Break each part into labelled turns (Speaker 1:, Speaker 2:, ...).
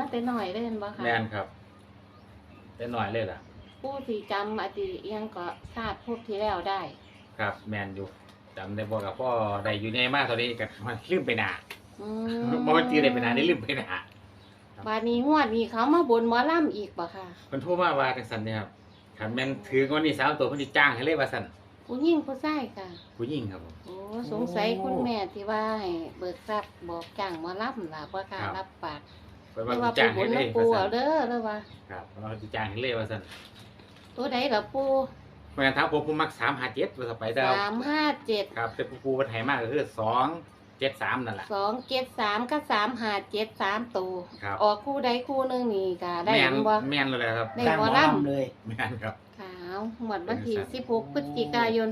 Speaker 1: มาแต่น้อยเลยเห็นบ่ค่ะ
Speaker 2: แม่นครับแต่น้อยเลยล่ะ
Speaker 1: ปู่สิจำอดีตอิหยังก็ชาติภพที่แล้วได้
Speaker 2: ครับแม่นอยู่จำได้บ่กับพ่อได้อยู่ในมากตอนนี้ก็ลืมไปหน้า
Speaker 1: อื
Speaker 2: บ่มันจื้อได้ไปหน้าได้ลืมไปหน้า
Speaker 1: บาดนี้งวดนี้เขามาบนหมอลำอีกบ่ค่ะ
Speaker 2: เพิ่นโทรมาว่าจังซั่นเนี่ยครับคันแม่นถืองวดนี้3ตัวเพิ่นสิจ้างให้เลยว่าซั่น
Speaker 1: ผู้หญิงผู้ชายค่ะ
Speaker 2: ผู้หญิงครับผม
Speaker 1: โอ้สงสัยคุณแม่ที่ว่าให้เบิกทรัพย์บอกจ้างหมอลำล่ะบ่ค่ะรับปาก
Speaker 2: เพิ่น
Speaker 1: เรี
Speaker 2: ว่าย
Speaker 1: ก
Speaker 2: สิ
Speaker 1: ว่า
Speaker 2: จ้าง
Speaker 1: ปู่
Speaker 2: ให้
Speaker 1: บุญ
Speaker 2: เลยว่าซั่
Speaker 1: นะปู่เอา
Speaker 2: น
Speaker 1: เด้อแล้วว่า
Speaker 2: ครับเพิ่นว่าสิจ้างให้เลยว่าซั่น
Speaker 1: ตัวใดล่ะปู่
Speaker 2: เมื่อถามผมมัก357ว่าสไปดาว
Speaker 1: 357
Speaker 2: ครับแต่ปูเพิ่นให้มาก็คือ273นั่นแหละ
Speaker 1: 273กับ357 3ตัว
Speaker 2: ครับ
Speaker 1: ออกคู่ใดคู่หนึงนี่ก็ได้
Speaker 2: แม่น
Speaker 1: บ่
Speaker 2: แม่นเลยครับ
Speaker 1: ได้
Speaker 3: จ้าง
Speaker 1: หมอ
Speaker 3: หมอ
Speaker 1: ลำ
Speaker 3: ลำเลย
Speaker 2: แม่นครับ
Speaker 1: ขาวหมดวันที่16พฤศจิกายน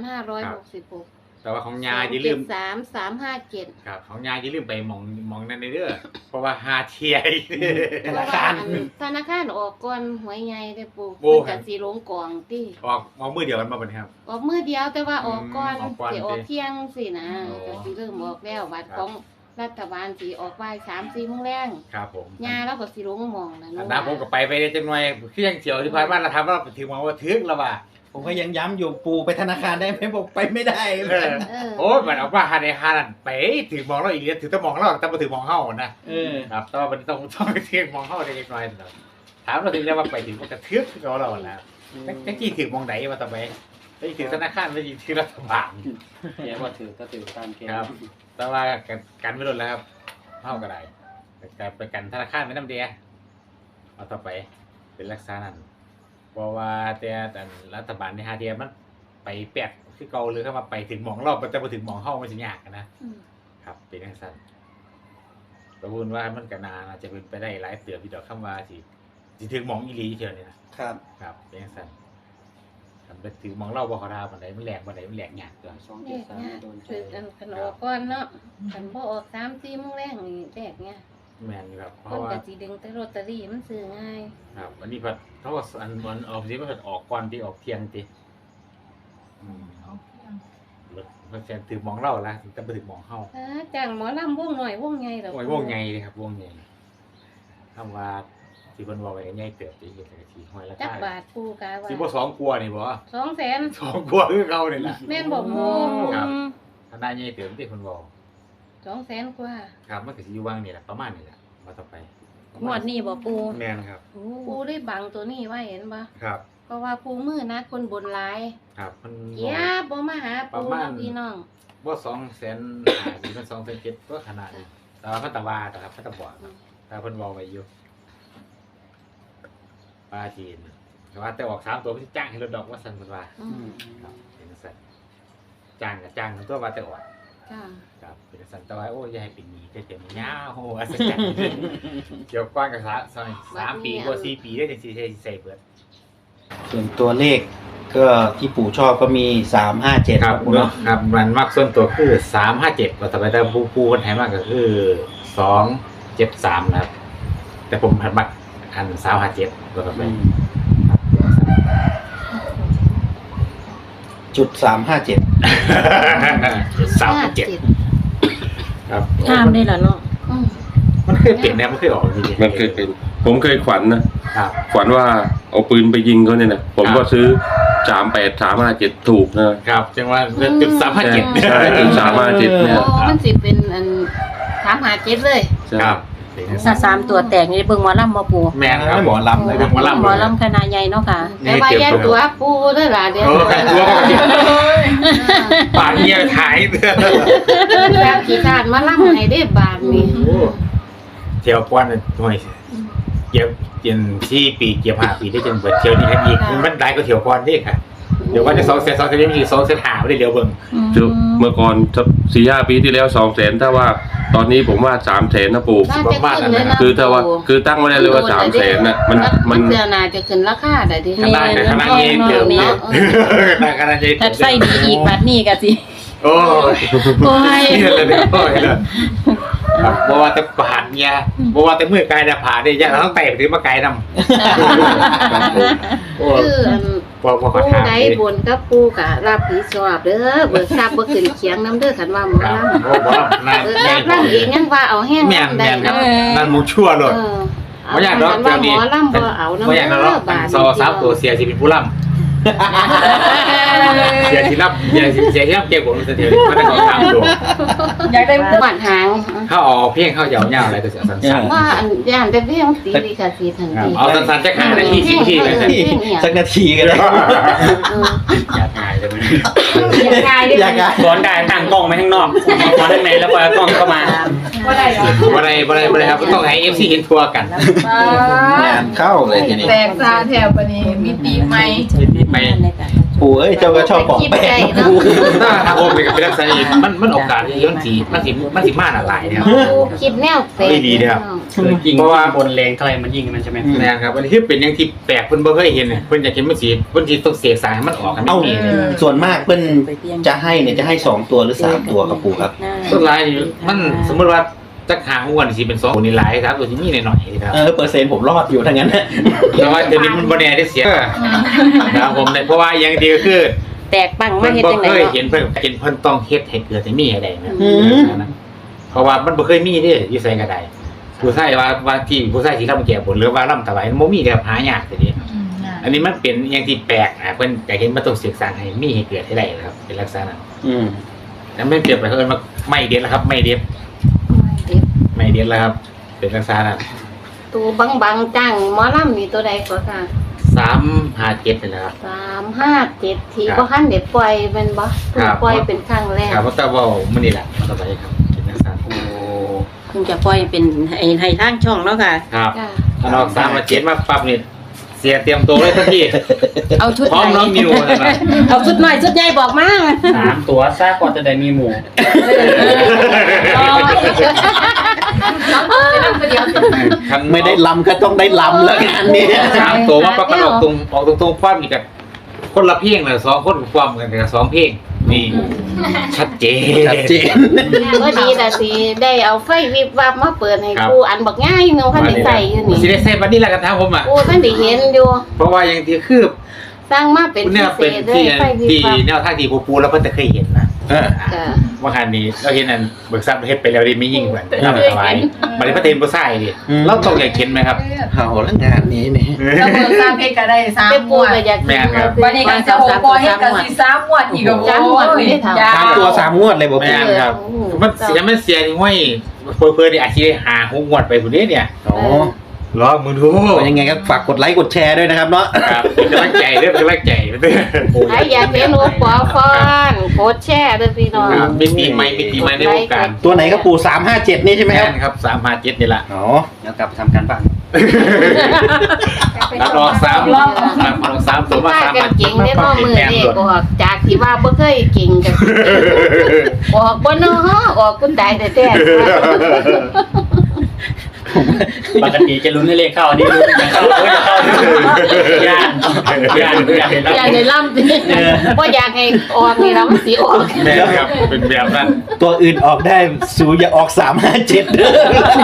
Speaker 1: 2566
Speaker 2: แต่ว่าของยายอย่าลืม
Speaker 1: 357
Speaker 2: ครับของยายอย่าลืมไปหมองนั่นเด้อเพราะว่าหาเทียอีก
Speaker 1: เพราะว่าธนาคารออกก่อนหวยใหญ่ได้ปู่
Speaker 2: โอ้
Speaker 1: เพิ่นก็สิลงกองติ
Speaker 2: ออกมือเดียวกันมาบ่เนี่ยครับ
Speaker 1: ออกมื้อเดียวแต่ว่าออกก่อน
Speaker 2: ออกก่อน
Speaker 1: สิออกเที่ยงสินะ
Speaker 2: โอ้
Speaker 1: ก็สิเริ่มออกแล้วบัตร
Speaker 2: ครับ
Speaker 1: ของรัฐบาลสิออกบ่าย3-4โมงแรง
Speaker 2: ครับผม
Speaker 1: ยาแล้วก็สิลงหมองนะ
Speaker 2: อันนั้นผมก็ไปได้จังหน่อยเครื่องเฉียวที่ผ่านมาเราทำว่าถึงมาว่าถึงแล้วว่า
Speaker 3: ผมก็ยังย้ำอยู่ปูไปธนาคารได้ไหมบอกไปไม่ได้
Speaker 2: เออ
Speaker 1: เออ
Speaker 2: โอ้ยมันเอาว่าหาในหานั่นไปถึงมองเราอีกถึงต้องมองเราแต่มาถึงมองเฮานะ
Speaker 3: เออ
Speaker 2: ครับแต่ว่ามันต้องไปถึงมองเฮาได้จังหน่อยถามเราถึงจะว่าไปถึงมันกระทึกเราแล้วจังกี้ถึงมองไหนมาต่อไปไปถึงธนาคารไปถึงรัฐบาล
Speaker 4: แกว่าถือก็ถือตามแก
Speaker 2: ครับ แต่ว่ากันไม่ลดแล้วครับเท่าก็ได้การไปกันธนาคารไม่น้ำเดียเอาต่อไปเป็นรักษานั่นเพราะว่าแต่รัฐบาลในฮาเดียมันไปแปดคือเก่าหรือเข้ามาไปถึงหมองรอบมันจะมาถึงหมองเข้ามันจะยากนะ
Speaker 1: อืม
Speaker 2: ครับเป็นอย่างสั้นประมูลว่ามันก็นาจะเป็นไปได้หลายเตือนพี่ดอกคำว่าสิถึงหมองอีหลีเชียวนี่นะครับ ครับเป็นอย่างสั้นทำไปถึงหมองเล่าบ่เขาดาวบันไดมันแหลกบันไดมันแหลกยากเกิน
Speaker 1: เนี่ย
Speaker 4: 273โดนใจ
Speaker 1: คืออันขนมก้อนเนาะขันพอออก3-4โมงแรงนี่แรกเนี่ย
Speaker 2: แม่นอยู่ครับเพ
Speaker 1: คน
Speaker 2: ราะว่า
Speaker 1: ก็สิดึงแต่ลอตเตอรี่มันซื้อง่าย
Speaker 2: ครับอันนี้พัดเขาว่าอันมันออกสิมันออกก่อนที่ออกเที่ยงติรถมันแซนถึงหมองเล่าละถึงจะไปถึงหมองเข้า
Speaker 1: จ้างหมอลำวงหน่อยวงใหญ่เหรอ
Speaker 2: โอ้ยวงใหญ่เลยครับวงใหญ่คำว่าที่เพิ่นบอกไว้ใหญ่เติบไปเฮ็ดให้ทีห้อยละ
Speaker 1: จัก
Speaker 2: ค่า
Speaker 1: บาทปูกาว่า
Speaker 2: สิบ่สองกลัวนี่บ่
Speaker 1: 200,000
Speaker 2: สองกลัวคือเก่านี่ล่ะ
Speaker 1: แม่นบอกปู
Speaker 2: ครับ ถ้าได้ใหญ่เติบที่เพิ่นบอก
Speaker 1: 200,000กว่า
Speaker 2: ครับมันก็สิอยู่วางนี่แหละประมาณนี่แหละมาต่อไป
Speaker 5: งวดนี้บ่ปู
Speaker 2: แม่นครับ
Speaker 1: ปูได้บังตัวนี้ไว้เห็นบ่
Speaker 2: ครับ
Speaker 1: เพราะว่าปูมือนักคนบนหลาย
Speaker 2: ครับมัน
Speaker 1: เกียบบ่มาหาปูเนาะพี่น้อง
Speaker 2: บ่200,000สิมัน2,700ก็ขนาดนี้แต่ว่าพัตวาแต่ครับพัตบอกแต่เพิ่นบอกไว้อยู่ปลาจีนแต่ว่าแต่ออก3ตัวเพิ่นสิจ้างให้รถดอกว่าซั่นเพิ่นว่า
Speaker 1: อืม
Speaker 2: ครับเป็นสัตว์จ้างกับจ้างทั้งตัวว่าแต่ออก
Speaker 1: ค่ะ
Speaker 2: ครับเป็นสัตว์แต่ว่าโอ้ยอยาให้เป็นหนี้ได้เต็มยาวโหอัศจรรย์เกี่ยวก้อนกับ3 ปีกว่า4 ปีได้จังสิใส่เบิด
Speaker 3: ส่วนตัวเลขก็ที่ปู่ชอบก็มี357ครับปู่เนาะ
Speaker 2: ครับมันมักส่วนตัวคือ357ว่าแต่ไปแต่ผู้คนไทยมากก็คือ273นะครับ แต่ผมหันมักอัน357ว่าต่อไป
Speaker 3: จุด357
Speaker 2: 357ครับ
Speaker 5: ห้ามได้ล่ะเนาะ
Speaker 1: อืม
Speaker 2: มันเคยเปลี่ยนแนวมันเคยออกจริงๆ
Speaker 6: มันเคยเป็น ผมเคยฝันนะครับ ฝันว่าเอาปืนไปยิงเขาเนี่ยนะผมก็ซื้อ38357ถูกนะครับ
Speaker 2: จังว่าจุด357
Speaker 6: ใช่จุด357เนี่ย
Speaker 1: โอ้มันสิเป็นอัน357เลย
Speaker 6: ใช่
Speaker 2: ครับ
Speaker 5: ถ้า3ตัวแตกนี่เบิ่งหมอลำบ่ปู
Speaker 2: แม่นครับหมอลำเลยหมอลำ
Speaker 5: หมอลำคณะใหญ่เนาะค่ะ
Speaker 1: แต่ว่าแยกตัวปูเด้อล่ะเดี๋ยว
Speaker 2: โอ้ใครตัวก็กินปากเงียถ่ายเด้อ
Speaker 1: แบบขี้คร้านมาล่ำให้ได้บาทนี่
Speaker 2: เที่ยวก้อนหน่วยเก็บเจ็น4 ปีเก็บ5 ปีได้จนเบิดเที่ยวนี้แค่อีกมันได้ก็เที่ยวก้อนเด้ค่ะเดี๋ยววันที่2 เซน2 เซนนี้มี2 เซนหาไม่ได้เร็วเบิ่ง
Speaker 6: คือเมื่อก่อน 4-5 ปีที่แล้ว 200,000ถ้าว่าตอนนี้ผมว่า300,000นะปู่
Speaker 1: น่าจะขึ้นเลยนะ
Speaker 6: คือถ้าว่าคือตั้งไว้ได้เลยว่า300,000น่ะมัน
Speaker 1: เสื้อน่าจะขึ้นราคาได้ดิ
Speaker 2: ขนาดเย็นเติมเนี่ยขนาดเย็น
Speaker 5: ถ้าใส่ดีอีกบัดนี้ก็สิ
Speaker 2: โอ้ย
Speaker 5: โอ้ย
Speaker 2: เลยโอ้ยเลยครับบ่ว่าแต่ผ่านเนี่ยบ่ว่าแต่มือไกลแต่ผ่านได้ยังต้องไต่ถึงมาไกลนำโอ้
Speaker 1: คืออัน
Speaker 2: บ่ขอ
Speaker 1: ปู
Speaker 2: ถาม
Speaker 1: ใดบนกับปูกะรับผิดชอบเด้อเบิกทรัพย์บ่ขึ้นเคียงนํเด้อคันว่าหมอ
Speaker 2: ครับ
Speaker 1: ลำ
Speaker 2: โอ้บ่นั่น
Speaker 1: เบิกทรัพย์ลำเองยังว่าเอาแห้ง
Speaker 2: แม่น
Speaker 1: ได้
Speaker 2: ครับ
Speaker 1: เนาะ
Speaker 2: นั่นหมูชั่วเลย
Speaker 1: เออ
Speaker 2: บ่อยากดอก
Speaker 1: ว่า
Speaker 2: เดี๋ยว
Speaker 1: หม
Speaker 2: นี้
Speaker 1: อลำบ่เอานำ
Speaker 2: บ่อยากดอกซอซับตัวเสียสิเป็นผู้ล่ำเสียที่รับเสียที่รับเก็บผมเสียมันได้ของทางดู
Speaker 5: อยากได้
Speaker 1: หวานหาง
Speaker 2: เขาออกเพียงเขายาวๆอะไรก็เสียสั้น
Speaker 1: ว่าอันย่านแต่เพียงตีดีค่ะสีทันที
Speaker 2: ๆเอาสั้นๆจะขาดได้ที่10 ทีเลยสิ
Speaker 3: สักนาทีก็ได้
Speaker 2: อยากหายเลย
Speaker 3: อยากไง
Speaker 4: สอนได้ตั้งกล้องไว้ข้างนอกสอนข้างในแล้วปล่อยกล้องเข้ามา
Speaker 5: บ่ได้หรอ
Speaker 2: บ่ได้ครับต้องให้ FC เห็นทัวร์กัน
Speaker 3: งานเข้าเลยทีนี้
Speaker 7: แตกซาแถวปนี้มีตีไหม
Speaker 2: ไป
Speaker 3: ปู่เอ้ยเจ้าก็ชอบปอกแป้งนะปู่
Speaker 2: ถ้าทางโอมเป็นกับเป็นลักษณะนี้มันโอกาสที่มันสิมาหลายนะครับ
Speaker 1: คิดแนวเตะ
Speaker 2: ไม่ดีนะครับ
Speaker 4: ยิง
Speaker 2: เพราะว่า
Speaker 4: บนแรงเท่าไหร่มันยิงมันใช่ไหม
Speaker 2: นะครับอันนี้คือเป็นอย่างที่แปลกเพิ่นบ่เคยเห็นเพิ่นอยากเห็นมันสิเพิ่นสิต้องเสกสายให้มันออกกัน
Speaker 3: เอ้า
Speaker 2: นี่
Speaker 3: ส่วนมากเพิ่นจะให้เนี่ยจะให้2 ตัวหรือ 3 ตัวครับปู่ครับ
Speaker 2: ต้นลายนี่มันสมมุติว่าจักหางวนสิเป็น2ตัวนี่หลายครับตัวที่มีหน่อยๆครับ
Speaker 3: เปอร์เซ็นต์ผมรอดอยู่ทั้งนั้นนะ
Speaker 2: แต่ว่าเดี๋ยวนี้มันบ่แน่ได้เสียนะครับผมเนี่ยเพราะว่าอย่างเดียวคือ
Speaker 5: แตกปังมา
Speaker 2: เพิ่น
Speaker 5: เฮ็ด
Speaker 2: บ่
Speaker 5: จังได๋
Speaker 2: เคย
Speaker 5: เนาะ
Speaker 2: เห็นเพิ่นต้องเฮ็ดให้เกิดให้มีให้ได้นะ
Speaker 3: อืม
Speaker 2: เพราะว่ามันบ่เคยมีเด้อยู่ไสก็ได้ผู้ชายว่าที่ผู้ชายที่ทำแก่บนหรือว่าร่ำถวายมันบ่มีแบบหายากทีนี้ อันนี้มันเป็นอย่างที่แปลกเพิ่นอยากเห็นมันต้องศึกษาให้มีให้เกิดให้ได้นะครับเป็นลักษณะนั้น
Speaker 3: อืม
Speaker 2: แล้วไม่เปรียบไปเพิ่นมาไม่เด็ดแล้วครับไม่เด็ดแล้วครับ เป็นลักษณะนั้น
Speaker 1: ตัวบางๆจังหมอลำนี่ตัวใดก็ค่ะ
Speaker 2: 357นี่แหละครับ
Speaker 1: 357ทีบ่ทันได้ปล่อยแม่นบ่เพิ่งปล่อยเป็นครั้งแรก
Speaker 2: ครับเพราะแต่ว่ามื้อนี้แหละต่อไปครับเป็นลักษณะนั้น
Speaker 5: เพิ่งจะปล่อยเป็นให้ทางช่องเนาะค่ะ
Speaker 2: ครับ
Speaker 1: จ้ะ
Speaker 2: ถ้าออก357มาปั๊บนี่เสียเตรียมตัวเลยทันที
Speaker 5: เอาชุด
Speaker 2: พร้อม
Speaker 5: ไหน
Speaker 2: น้องนิวนะครับ
Speaker 5: เอาชุดน้อยชุดใหญ่บอกมา
Speaker 4: 3 ตัวซากก่อนจะได้มีหมู่
Speaker 3: ไม่ได้ลำก็ต้องได้ลำแล้วงานนี้
Speaker 2: 3ตัวมาประกันออกตรงความอีกกับคนละเพลงเลย2คนความกันกับ2เพลงนี่ชัดเจน
Speaker 3: ชัดเจน
Speaker 1: ก็ดีแต่สิได้เอาไฟวิบวับมาเปิดให้
Speaker 2: ครับ
Speaker 1: กูอันบักง่ายเนาะคันได้ใส่อยู่นี่
Speaker 2: สิได้ใส่บัดนี้แหละกันทางผมอ่ะ
Speaker 1: กูท่านได้เห็นอยู่
Speaker 2: เพราะว่าอย่างที่คือ
Speaker 1: สร้างมาเป็น
Speaker 2: เนี่ย
Speaker 1: พิเศ
Speaker 2: เป็น
Speaker 1: ษเล
Speaker 2: ที่
Speaker 1: ยไฟวิบ
Speaker 2: ที่
Speaker 1: วับ
Speaker 2: แนวทางที่ปูแล้วเพิ่นจะเคยเห็นนะ
Speaker 1: จ้ะ
Speaker 2: ว่าคันนี้เราเห็นอันเบิกทรัพย์เฮ็ดไปแล้วดิไม่ยิ่งเหมือนทำสบายบัดนี้พระเทนบ่ใส่ดิเราต้องอยากเห็นไหมครับ
Speaker 3: เอาแล้วงานนี้นี่
Speaker 7: แล้วเบอร์ซาเพชรก็ได้3
Speaker 1: แต่
Speaker 7: หม
Speaker 1: ปู
Speaker 7: วด
Speaker 1: ก็อยาก
Speaker 2: แม่นครับ
Speaker 7: วันนี้ก็จะ6ปอยเฮ็ดก็สิ3หมวดอีกก็
Speaker 1: 3หมวดไม่ได้ทำ
Speaker 3: 3 ตัว 3 งวดเลยบอก
Speaker 2: แม่
Speaker 3: ปู่
Speaker 2: นครับมันเสียที่ห้อยเพิ่นนี่อาจสิได้หา6งวดไปพุ่นเด้เนี่ย
Speaker 3: อ๋อ
Speaker 2: รอมือดู
Speaker 3: ยังไงก็ฝากกดไลค์กดแชร์ด้วยนะครับเนาะ
Speaker 2: ครับเป็นกำลังใจเด้อเป็นกำลังใจเด้อ
Speaker 1: ใครอยากเห็นโอปอฟอนโคตรแช่เด้อพี่น้อง
Speaker 2: ครับมิติใหม่ในวงการ
Speaker 3: ตัวไหนครับปู่357นี่ใช่ไหมครับ
Speaker 2: แม่นครับ357นี่ล่ะ
Speaker 3: อ๋อ
Speaker 4: แล้วกลับไปทำการบ้าน
Speaker 2: รับรอง3ตัวมา
Speaker 1: พากันเก่งได้บ่มือ
Speaker 2: แม่น
Speaker 1: เด็
Speaker 2: หม
Speaker 1: ก
Speaker 2: ด
Speaker 1: ออกจากที่ว่าบ่เคยเก่งกันออกบ่เนาะออกคุณตายแท้
Speaker 4: ปกติจะลุ้นให้เลขเข้าอันนี้ลุ้นให้เข้าเฮ้ยจะเข้าย่านเห็น
Speaker 1: ๆอย่าได้ล่ำสิบ่อยากให้ออกนี่ล่ะมันสิออก
Speaker 2: แม่นครับเป็นแบบนั้น
Speaker 3: ตัวอื่นออกได้สูอย่าออก357เด้อ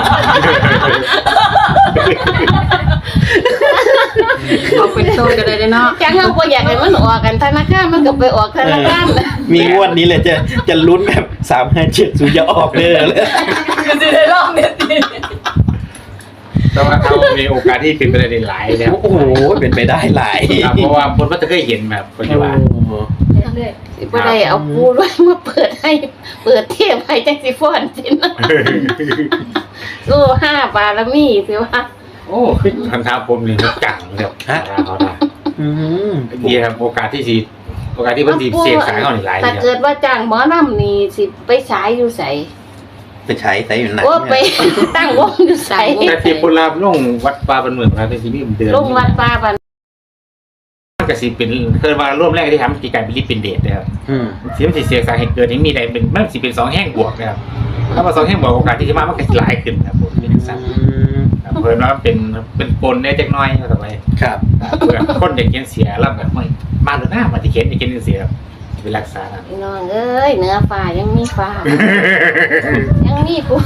Speaker 5: เอาเป็นโตกันเลยเนาะ
Speaker 1: จังเฮาบ่อยากให้มันออกกันธนาคารมันก็ไปออกธนาคาร
Speaker 3: มีงวดนี้เลยจะลุ้นแบบ357สูอย่าออกเด้อเลย
Speaker 7: ก็สิได้รอบเนี่ยสิ
Speaker 2: แต่ว่าเขามีโอกาสที่เป็นไปได้หลายนะครับ
Speaker 3: โอ้โหเป็นไปได้หลาย
Speaker 2: ครับเพราะว่าคนก็จะเคยเห็นแบบปัจจุบัน
Speaker 1: สิบ่ได้เอาปูด้วยมาเปิดให้เปิดเทปให้จังสิฟ้อนสินะสู้5บารมีสิว่า
Speaker 2: โอ้ขึ้นคำถามผมนี่มันจังเลยครับเขาได้
Speaker 3: อืม
Speaker 2: ดีครับโอกาสที่เพิ่นสิเสียงสายเขานี่หลาย
Speaker 1: ถ้า
Speaker 2: ค
Speaker 1: เกิ
Speaker 2: รับ
Speaker 1: ดว่าจ้างหมอลำนี่สิไปฉายอยู่ไส
Speaker 3: ไปใช้ไซส์อยู่ไหน
Speaker 1: โอ้ไปตั้งวงอยู่ไส
Speaker 2: แต่ที่พุ่นลาบลงวัดป่าบ้านเมืองครับที่มีเดือน
Speaker 1: ลงวัดป่าบัน
Speaker 2: มันก็สิเป็นเคยว่าร่วมแรกที่ทำกิจการเป็นลิปเป็นเดทนะครับ
Speaker 3: อืม
Speaker 2: สิมันสิเสียสาเหตุเกิดนี้มีใดเป็นมันสิเป็น2แห่งบวกนะครับถ้าว่า2แห่งบวกโอกาสที่จะมามันก็สิหลายขึ้นครับผมเป็นจังซั่นครับเพิ่นว่าเป็นปนได้จักหน่อยว่าต่อไป
Speaker 3: ครับ
Speaker 2: เพื่อคนอยากเขียนเสียแล้วแบบไม่มาหรือหน้ามาที่เขียนอยากเขียนเสียเป็นรักษานะ
Speaker 1: พี่น้องเอ้ยเหนือฟ้ายังมีฟ้า ยังมีปู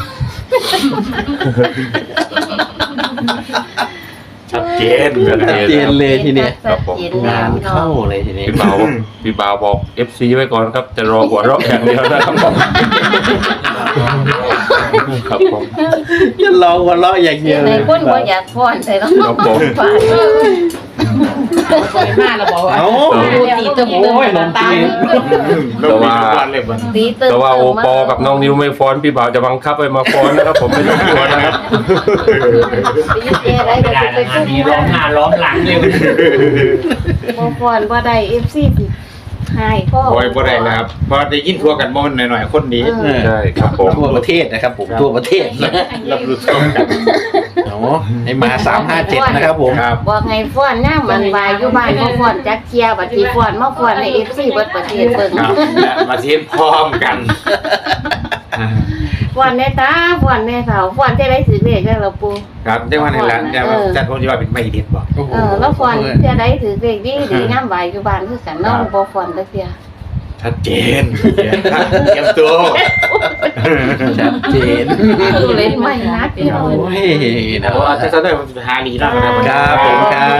Speaker 2: ชัดเจนเลยนะ
Speaker 3: ชัดเจนเลยทีเนี้ย
Speaker 1: ชัดเจน
Speaker 3: งาน
Speaker 1: พี่น้อ
Speaker 3: เข้าง เลยทีนี้
Speaker 6: พี่บ่าวบอก FC ไว้ก่อนครับ จะรอหัวเราะอย่างเดียวนะครับครับผม
Speaker 3: จะรอหัวเราะอย่างเดียว
Speaker 1: ใน
Speaker 3: เลย
Speaker 1: คนบ่อยากฟ้อนแต่ต้อง
Speaker 6: ครับผม
Speaker 1: ฟ้อน
Speaker 7: มาแล้วบอกว่า
Speaker 3: เอา
Speaker 5: ตีตึม
Speaker 3: โอ้ยนม
Speaker 5: ตา
Speaker 3: จีน
Speaker 6: แต่ว่า
Speaker 1: ตีเติม
Speaker 6: แต่ว่าโอปอกับน้องนิวไม่ฟ้อนพี่บ่าวจะบังคับให้มาฟ้อนนะครับ ผมไม่ต้องกลัวนะครับ
Speaker 1: ตีเออะไร
Speaker 4: ไม่
Speaker 1: ก็
Speaker 4: ได้
Speaker 1: ไป
Speaker 4: นะงาน
Speaker 1: กุ้ง
Speaker 4: นี้ร้องหน้าร้องหลังเลย
Speaker 1: บ่ฟ้อนบ่ได้ FC สิหายพ่อ
Speaker 2: โอ้ยบ่ได้แล้วครับเพราะได้ยินทั่วกันบ่มันหน่อยๆคนดี
Speaker 6: ใช่ครับผม
Speaker 3: ทั่วประเทศนะครับผมทั่วประเทศ
Speaker 2: รับรู้ทั่วกัน
Speaker 3: โอ้ให้มา357นะครับผม
Speaker 2: ครับ
Speaker 1: บอกไงฟ้อนย่ามมันวายอยู่บ้านบ่ฟ้อนจักเที่ยบัดสิฟ้อนมาฟ้อนใน FC เบิดประเทศเบิ่ง
Speaker 2: ครับและมาเทียนพร้อมกัน
Speaker 1: ฟ้อนแน่ตาฟ้อนแน่เฒ่าฟ้อนจะได้สิเลขได้ล่ะปู่
Speaker 2: ครับได้วันนี้ละแต่ว่าจัดผมจะว่าเป็นไม่เด็ดบอก
Speaker 1: แล้วฟ้อนจะได้ถือเลขดีย่ามวายอยู่บ้านคือกันเนาะบ่ฟ้อนจักเที่ย
Speaker 2: ชัดเจนเตรียมตัว
Speaker 3: ชัดเจน
Speaker 1: เล่นไม่นักพี่น้อง
Speaker 3: โอ้ยนะ
Speaker 2: โอ้อาจจะได้ผมจะหาลีแล้วนะครับ
Speaker 3: ครับผมครับ